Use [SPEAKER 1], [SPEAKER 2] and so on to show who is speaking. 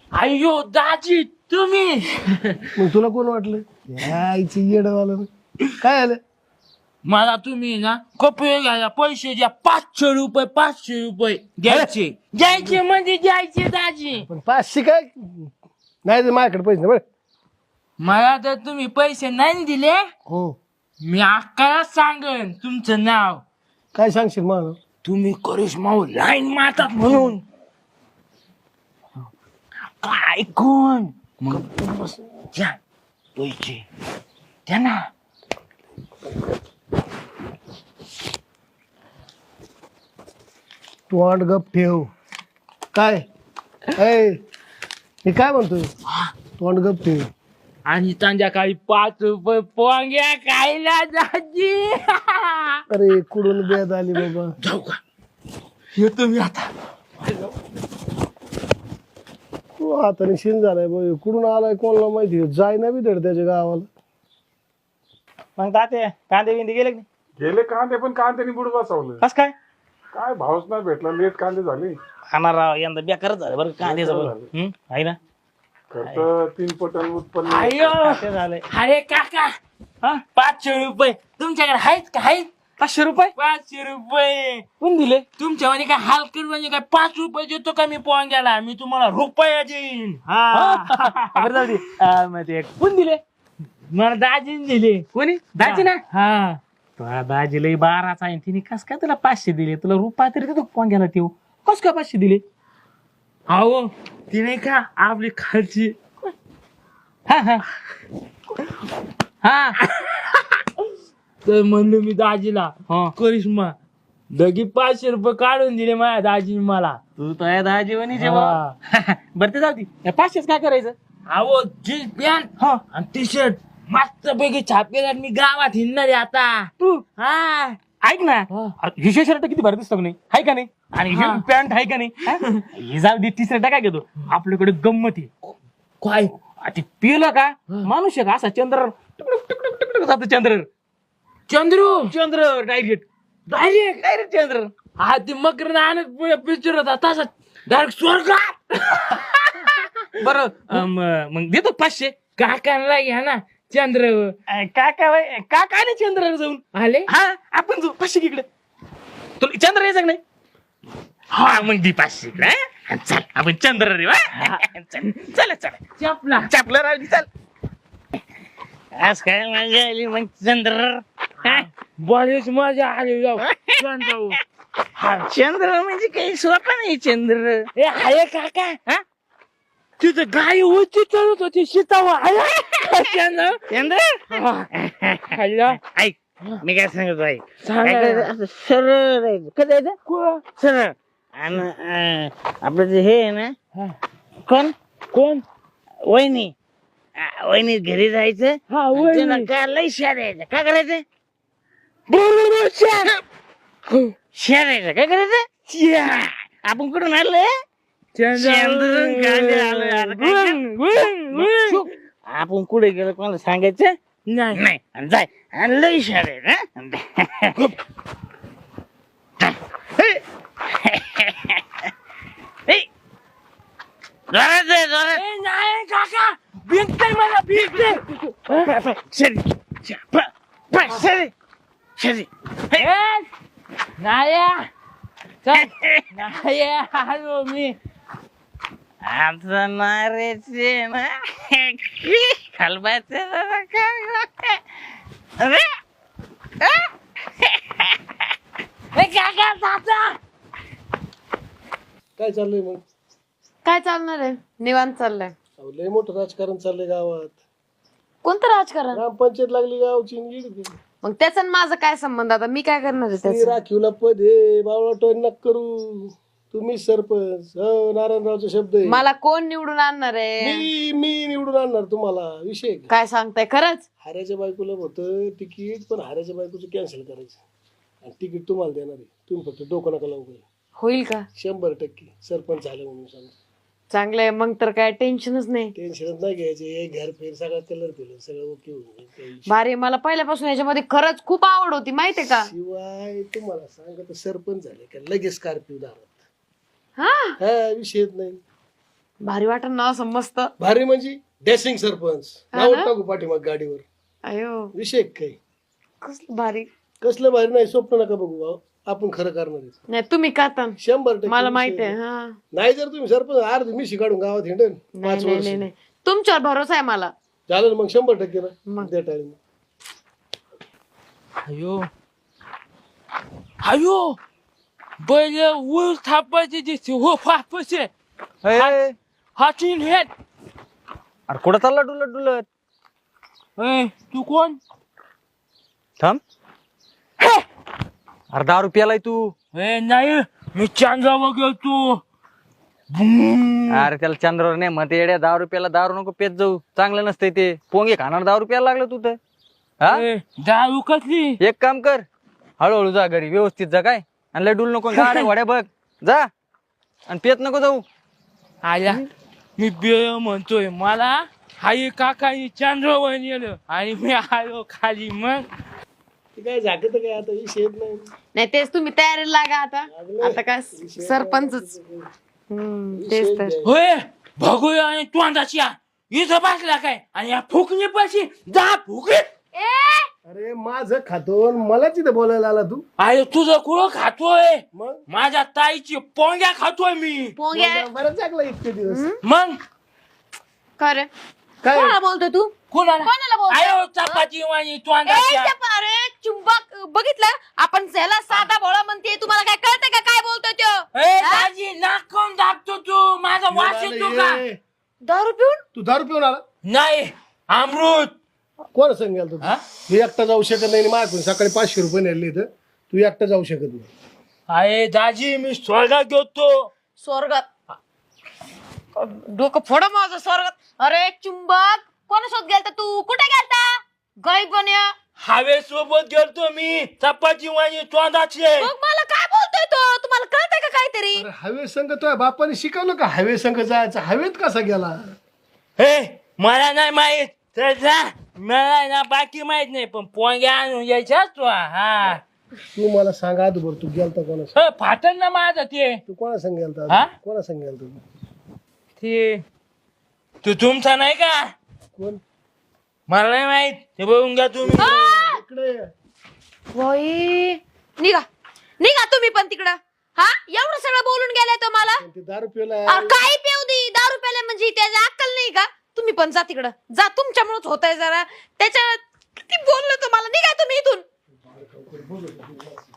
[SPEAKER 1] अय्यो दाजी तुम्ही.
[SPEAKER 2] मग तुला कोण वाटलं आईची येडवालं काय आलं?
[SPEAKER 1] मला तुम्ही ना कपडे घ्यायला पैसे द्या, 500 रुपये द्यायचे म्हणजे द्यायचे दाजी.
[SPEAKER 2] पण 500 काय नाही तर माझ्याकडे पैसे नाही बरं.
[SPEAKER 1] मला तर तुम्ही पैसे नाही दिले
[SPEAKER 2] हो
[SPEAKER 1] मी अक्काला सांगन तुमचं नाव.
[SPEAKER 2] काय सांगशील मला?
[SPEAKER 1] तुम्ही करिश्मावर लाईन मारतात म्हणून. काय कोण मग द्या पैसे द्या ना.
[SPEAKER 2] तू वाट गप ठेव. काय मी काय म्हणतोय? तू वाट गप ठेव.
[SPEAKER 1] आणि संध्याकाळी 5 रुपये पोंग्या खायला दाजी.
[SPEAKER 2] अरे कुडून बेद आली बाबा.
[SPEAKER 1] जाऊ का येतो मी आता.
[SPEAKER 2] तू हाताने शिन झालाय बाई. कुठून आलाय कोणाला माहिती. जाय ना बी धड त्याच्या गावाला.
[SPEAKER 3] मग ताते कांदे बिंदे गेले की नाही?
[SPEAKER 4] गेले कांदे पण कांद्याने बुड बसवलं.
[SPEAKER 3] कस काय
[SPEAKER 4] काय भावच नाही भेटला. लेट कांदे झाले.
[SPEAKER 3] खाणार राव यंदा बेकारच झालं बरं कांद्याचं आहे ना.
[SPEAKER 4] खर्च 3 पटन उत्पन्न.
[SPEAKER 1] अय्यो
[SPEAKER 3] ते झालंय.
[SPEAKER 1] अरे काका
[SPEAKER 3] हा
[SPEAKER 1] 500 रुपये तुमच्याकडे आहेत का? आहेत
[SPEAKER 3] 500 रुपये
[SPEAKER 1] 500 रुपये
[SPEAKER 3] कोण दिले?
[SPEAKER 1] तुमच्यामध्ये काय हलकट म्हणजे काय 5 रुपये देतो का मी पोंग्याला? मी तुम्हाला रुपया देईन.
[SPEAKER 3] बरं जाऊ दे. मग ते कोण दिले?
[SPEAKER 1] मला दाजीने दिले.
[SPEAKER 3] कोणी दाजी ना.
[SPEAKER 1] हा
[SPEAKER 3] तुला दाजी लई 12चा आहे. तिने कस काय तुला 500 दिले? तुला रुपया तरी देतो पोंग्याला ठेव. कस काय 500 दिले?
[SPEAKER 1] अहो ती नाही का आपली खालची.
[SPEAKER 3] हा हा हा
[SPEAKER 1] तर म्हणलो मी दाजीला करिश्मा लगी 500 रुपये काढून दिले माझ्या दाजीने मला.
[SPEAKER 3] तू तर आहे दाजी वनी जेव्हा. बरं ते जाऊ दे. 500 काय करायचं?
[SPEAKER 1] अहो जीन्स पॅन्ट आणि टी शर्ट मस्त पैकी छापेदार मी गावात हिंडणार आहे आता.
[SPEAKER 3] तू
[SPEAKER 1] हा
[SPEAKER 3] ऐक ना हिशे शर्ट किती भारी दिसतो का नाही? हाय का नाही? आणि
[SPEAKER 1] हा.
[SPEAKER 3] पॅन्ट आहे का नाही? हे जाऊ दे. टी शर्ट काय घेतो आपल्याकडे गंमत आहे.
[SPEAKER 1] काय
[SPEAKER 3] ते पिलं का माणूस आहे का असा चंद्र टुकडुक जातो. चंद्र
[SPEAKER 1] चंद्र
[SPEAKER 3] डायरेक्ट
[SPEAKER 1] डायरेक्ट
[SPEAKER 3] डायरेक्ट चंद्र.
[SPEAKER 1] हा ते मकर नानक पिक्चर होता तसा डायरेक्ट स्वर्गात.
[SPEAKER 3] बरं मग देतो 500.
[SPEAKER 1] काकांना घ्या ना चंद्र.
[SPEAKER 3] काका नाही चंद्र जाऊन
[SPEAKER 1] आले
[SPEAKER 3] हा आपण जाऊ 500 इकडे. तुला चंद्र यायचं का नाही? हा मग दी 500 इकडे. चल आपण चंद्र रे. चल चल चल
[SPEAKER 1] चपला
[SPEAKER 3] चापलं राहिली. चल आज काय मजा आली मग चंद्र.
[SPEAKER 1] बरेच मजा आली राव. चंद्र
[SPEAKER 3] चंद्र म्हणजे काही सोपा नाही चंद्र.
[SPEAKER 1] ए आहे काका हा तिथं गाय होती चढत होती सीतावा. चंद्र
[SPEAKER 3] चंद्र
[SPEAKER 1] खाल्ला
[SPEAKER 3] ऐक मी काय सांगतो ऐक.
[SPEAKER 1] सांगा
[SPEAKER 3] काय करायचं? असं सरळ राहायचं. कसं जायचं? सरळ. आणि आपलं जे हे आहे ना कोण
[SPEAKER 1] कोण
[SPEAKER 3] वहिनी वहिनी घरी जायचं.
[SPEAKER 1] हा
[SPEAKER 3] आणि त्यांना
[SPEAKER 1] वहिनी.
[SPEAKER 3] काय लई शेरायचं. काय करायचं?
[SPEAKER 1] बरोबर
[SPEAKER 3] शेरायचं. काय करायचं? आपण कुठून आलोय? चंद्रून गाडी आलोय. आता काय कर? आपण कुठे गेलो कोणाला सांगायचं
[SPEAKER 1] नाही
[SPEAKER 3] नाही. आणि जाय आणि लई शेरायचं. जोरात जाय, जोरात.
[SPEAKER 1] ए, नाही काका भिंगतय मला भिंगतय. नाया नाही आलो मी.
[SPEAKER 3] आता नारेचे ना खालबाचे
[SPEAKER 1] काका दादा
[SPEAKER 2] काय चाललंय मग?
[SPEAKER 5] काय चालणार आहे? निवांत चाललंय.
[SPEAKER 2] अहो, लय मोठं राजकारण चाललंय गावात.
[SPEAKER 5] कोणतं राजकारण?
[SPEAKER 2] ग्रामपंचायत लागली गावची आणि गेली ती.
[SPEAKER 5] मग त्याचा आणि माझा काय संबंध? आता मी काय करणार आहे
[SPEAKER 2] ती
[SPEAKER 5] त्याचं?
[SPEAKER 2] राखीवला पद हे बावळा टोन नक करू. तुम्ही सरपंच. हो नारायणरावचा शब्द आहे.
[SPEAKER 5] मला कोण निवडून आणणार आहे?
[SPEAKER 2] मी निवडून आणणार तुम्हाला. विषय का?
[SPEAKER 5] काय सांगताय खरंच?
[SPEAKER 2] हाऱ्याच्या बायकोला होतं तिकीट पण हाऱ्याच्या बायकोचं कॅन्सल करायचं आणि तिकीट तुम्हाला देणार आहे. तुम्ही फक्त डोकं नका लावू.
[SPEAKER 5] होईल का?
[SPEAKER 2] 100% सरपंच झालं म्हणून सांग.
[SPEAKER 5] चांगलंय मग तर काय टेन्शनच नाही.
[SPEAKER 2] टेन्शनच नाही घ्यायचे. घर फेर सगळा कलर फिरल सगळं ओके होऊन जाईल. काही विषय
[SPEAKER 5] भारी. मला पहिल्यापासून याच्यामध्ये खरंच खूप आवड होती माहितीये का?
[SPEAKER 2] शिवाय तुम्हाला सांगत सरपंच झाले का लगेच स्कॉर्पिओ दारात.
[SPEAKER 5] हा
[SPEAKER 2] हा विषयच नाही.
[SPEAKER 5] भारी वाटत ना असं मस्त.
[SPEAKER 2] भारी म्हणजे डॅशिंग सरपंच
[SPEAKER 5] हा
[SPEAKER 2] नाव
[SPEAKER 5] ना?
[SPEAKER 2] टाकू पाठीमाग गाडीवर.
[SPEAKER 5] अयो
[SPEAKER 2] विषय काही
[SPEAKER 5] कसलं भारी.
[SPEAKER 2] कसलं भारी नाही, स्वप्न नका बघू भाऊ. आपण खरं करणार आहे.
[SPEAKER 5] नाही तुम्ही करता
[SPEAKER 2] 100%
[SPEAKER 5] मला
[SPEAKER 2] विषय
[SPEAKER 5] माहिती आहे.
[SPEAKER 2] नाही.
[SPEAKER 5] हा
[SPEAKER 2] नाही जर तुम्ही सरपंच अर्ध मिशी काढून गावात हिंडन
[SPEAKER 5] नाही
[SPEAKER 2] 5
[SPEAKER 5] नाही
[SPEAKER 2] वर्ष
[SPEAKER 5] नाही नाही तुमच्यावर भरोसा आहे मला.
[SPEAKER 2] चालेल मग 100% ना
[SPEAKER 5] मग.
[SPEAKER 2] त्या टाइम.
[SPEAKER 1] अयो अयो बैल ऊस थापायचे दिसते हो फापसे
[SPEAKER 3] अरे
[SPEAKER 1] हाचीन हेट.
[SPEAKER 3] कुठं चालला डुलत डुलत?
[SPEAKER 1] तू कोण?
[SPEAKER 3] थांब. अरे 10 रुपयालाय तू.
[SPEAKER 1] नाही मी चांदरावर गेलतो.
[SPEAKER 3] अरे त्याला चंद्रावर नाही मग येड्या 10 रुपयाला दारू नको पेत जाऊ, चांगलं नसतंय ते. पोंगे खाणार 10 रुपयाला लागलं तू तर. हा
[SPEAKER 1] दारू कसली?
[SPEAKER 3] एक काम कर, हळूहळू जा घरी, व्यवस्थित जा काय, आणि लय डुल नको, गाड्या घोड्या बघ जा, आणि पेत नको जाऊ.
[SPEAKER 1] आया मी बेळ म्हणतोय, मला हाई काकानी चांद्रावर नेलं आणि मी आलो खाली. मग
[SPEAKER 2] ते काय झाकत काय आता विषय येत नाही.
[SPEAKER 5] नाही तेच तुम्ही तयारीला लागा आता.
[SPEAKER 2] लागले.
[SPEAKER 5] आता काय सरपंचच. तेच तर.
[SPEAKER 1] होय भगोया आणि तोंडाची इथं बसला काय आणि या फुकणी पाशी जा फुकणी.
[SPEAKER 2] अरे माझं खातो आणि मला तिथे बोलायला आला तू.
[SPEAKER 1] अरे तुझं कुळं खातोय?
[SPEAKER 2] मग
[SPEAKER 1] माझ्या ताईची पोंग्या खातोय मी.
[SPEAKER 5] पोंग्या
[SPEAKER 2] बरं जागला इतके दिवस.
[SPEAKER 1] मग
[SPEAKER 5] का रे
[SPEAKER 2] काय
[SPEAKER 5] कोणाला बोलतोय तू?
[SPEAKER 1] कोणाला?
[SPEAKER 5] कोणाला बोलतोय?
[SPEAKER 1] आयो चपाती वाणी
[SPEAKER 5] ए,
[SPEAKER 1] तोंडाच्या.
[SPEAKER 5] अरे चुंबक बघितलं आपण त्याला साधा भोळा म्हणते, तुम्हाला काय कळतंय का काय बोलतोय तो?
[SPEAKER 1] ए दाजी नाकून दाबतो तू, माझा वास येतो का?
[SPEAKER 5] दारू पिऊन
[SPEAKER 2] तू दारू पिऊन आला?
[SPEAKER 1] नाही अमृत.
[SPEAKER 2] कोण सांगेल तू?
[SPEAKER 1] हा?
[SPEAKER 2] मी एकटा जाऊ शकत नाही. माझ्याकडून सकाळी 500 रुपये नेले इथं. तू एकटा जाऊ शकत नाही.
[SPEAKER 1] अरे दाजी मी स्वर्गात गेलतो.
[SPEAKER 5] स्वर्गात डोकं फोड माझं स्वर्गात. अरे चुंबक कोणासोबत गेलता तू? कुठे गेलता? गरीब बन्या.
[SPEAKER 1] हवे सोबत गेलतो मी, चपाती वाणी तोंडाचे.
[SPEAKER 5] मग मला काय बोलतोय तो? तुम्हाला कळतंय का काहीतरी?
[SPEAKER 2] अरे हवे संघ तुझ्या बापाने शिकवलं का हवे संघ जायचं? हवेत कसा गेला?
[SPEAKER 1] हे मला नाही माहित तर जा. मला ना बाकी माहित नाही, पण पोंग्या आणून यायच्याच तू. हा
[SPEAKER 2] तू मला सांगा आधीवर तू गेलता कोणा?
[SPEAKER 1] फाटल ना माझं ते.
[SPEAKER 2] तू कोणा संघ
[SPEAKER 1] हा?
[SPEAKER 2] गेलता? कोणा संघ गेलता तू?
[SPEAKER 1] ते तू तुमचा नाही का?
[SPEAKER 2] कोण?
[SPEAKER 1] मला नाही माहित, ते बघून घ्या तुम्ही.
[SPEAKER 2] इकडे ये.
[SPEAKER 5] वही निघा निघा तुम्ही पण तिकडं. हा एवढं सगळं बोलून गेलाय तो मला.
[SPEAKER 2] ते दारू पिला.
[SPEAKER 5] काही पिऊ दे, दारू प्यायला म्हणजे त्याची अक्कल नाही का? तुम्ही पण जा तिकडं जा, तुमच्यामुळेच होतंय जरा. त्याच्या किती बोललो तुम्हाला, निघा तुम्ही इथून.